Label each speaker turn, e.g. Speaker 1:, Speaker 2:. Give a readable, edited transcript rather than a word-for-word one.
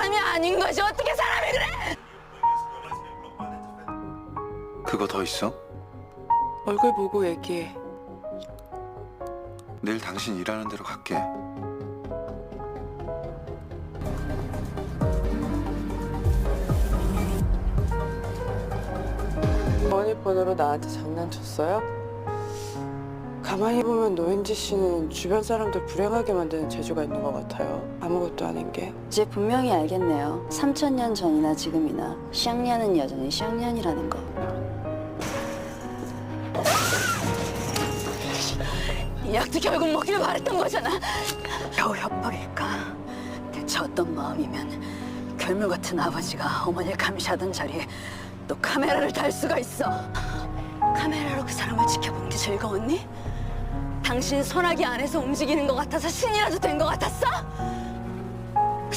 Speaker 1: 사람이 아닌 것이 어떻게 사람이 그래?
Speaker 2: 그거 더 있어?
Speaker 3: 얼굴 보고 얘기해.
Speaker 2: 내일 당신 일하는 대로 갈게.
Speaker 3: 번호로 나한테 장난쳤어요? 가만히 보면 노은지 씨는 주변 사람들 불행하게 만드는 재주가 있는 것 같아요. 아무것도 아닌 게.
Speaker 4: 이제 분명히 알겠네요. 3000년 전이나 지금이나 샹년은 여전히 샹년이라는 거.
Speaker 1: 이 약도 결국 먹기를 바랬던 거잖아. 겨우 협박일까? 대체 어떤 마음이면 괴물 같은 아버지가 어머니를 감시하던 자리에 또 카메라를 달 수가 있어. 카메라로 그 사람을 지켜보는 게 즐거웠니? 당신 소나기 안에서 움직이는 것 같아서 신이라도 된 것 같았어?